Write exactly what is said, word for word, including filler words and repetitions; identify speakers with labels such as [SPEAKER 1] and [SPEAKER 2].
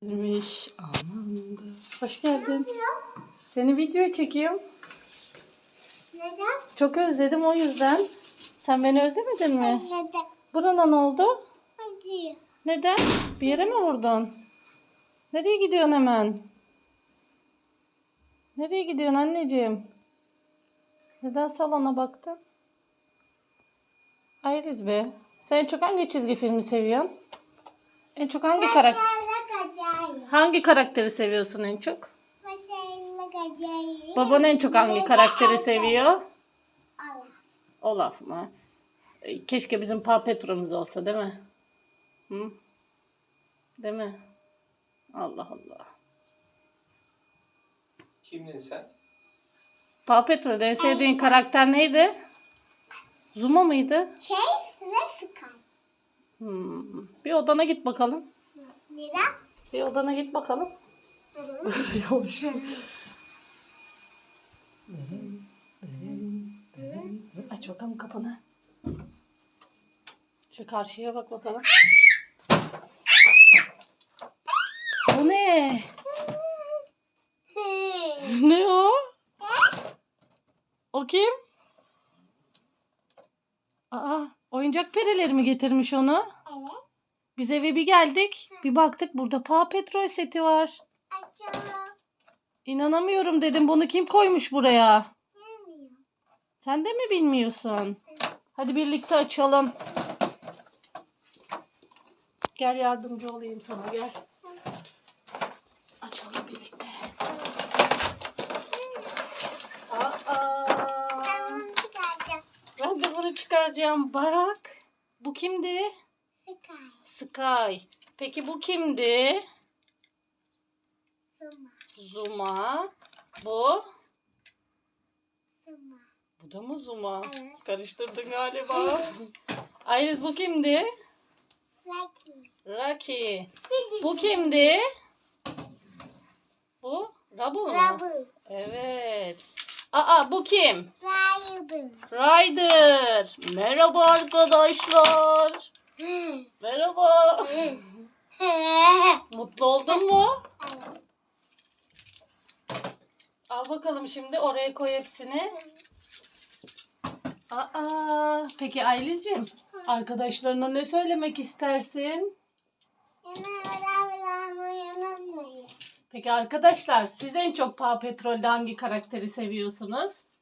[SPEAKER 1] Gelmiş anında. Hoş geldin. Seni videoya çekiyorum.
[SPEAKER 2] Neden?
[SPEAKER 1] Çok özledim o yüzden. Sen beni özlemedin mi?
[SPEAKER 2] Neden?
[SPEAKER 1] Burana ne oldu?
[SPEAKER 2] Acıyor.
[SPEAKER 1] Neden? Bir yere mi vurdun? Nereye gidiyorsun hemen? Nereye gidiyorsun anneciğim? Neden salona baktın? Ayriz be. Sen en çok hangi çizgi filmi seviyorsun? En çok hangi karakter?
[SPEAKER 2] Başarılı acayip.
[SPEAKER 1] Hangi karakteri seviyorsun en çok?
[SPEAKER 2] Başarılı acayip.
[SPEAKER 1] Baban en çok hangi karakteri seviyor?
[SPEAKER 2] Allah.
[SPEAKER 1] Olaf mı? E, Keşke bizim Paw Patrol'ümüz olsa değil mi? Hı? Değil mi? Allah Allah.
[SPEAKER 3] Kimdin sen?
[SPEAKER 1] Paw Patrol'de en sevdiğin karakter neydi? Zuma mıydı?
[SPEAKER 2] Chase ve Sky.
[SPEAKER 1] Hmm. Bir odana git bakalım.
[SPEAKER 2] Neden?
[SPEAKER 1] Bir odana git bakalım. Yavaş. Aç bakalım kapını. Şu karşıya bak bakalım. O ne? Ne o? O kim? Aa, oyuncak perileri mi getirmiş onu?
[SPEAKER 2] Evet.
[SPEAKER 1] Biz eve bir geldik. Bir baktık burada Paw Patrol seti var.
[SPEAKER 2] Açalım.
[SPEAKER 1] İnanamıyorum dedim. Bunu kim koymuş buraya?
[SPEAKER 2] Bilmiyorum.
[SPEAKER 1] Sen de mi bilmiyorsun? Hadi birlikte açalım. Gel yardımcı olayım sana gel. Açalım birlikte. Aa,
[SPEAKER 2] Ben bunu çıkaracağım.
[SPEAKER 1] ben de bunu çıkaracağım. Bak. Bu kimdi?
[SPEAKER 2] Sky.
[SPEAKER 1] Sky. Peki bu kimdi?
[SPEAKER 2] Zuma.
[SPEAKER 1] Zuma. Bu?
[SPEAKER 2] Zuma.
[SPEAKER 1] Bu da mı Zuma?
[SPEAKER 2] Evet.
[SPEAKER 1] Karıştırdın galiba. Ayriz bu kimdi?
[SPEAKER 2] Lucky.
[SPEAKER 1] Rocky. Bu kimdi? Bu? Rubble mu?
[SPEAKER 2] Rubble.
[SPEAKER 1] Evet. Aa bu kim?
[SPEAKER 2] Rider.
[SPEAKER 1] Ryder. Merhaba arkadaşlar. Merhaba. Mutlu oldun mu?
[SPEAKER 2] Evet.
[SPEAKER 1] Al bakalım şimdi oraya koy hepsini. Aa, peki Aylicim, arkadaşlarına ne söylemek istersin? Peki arkadaşlar, siz en çok Paw Patrol'de hangi karakteri seviyorsunuz?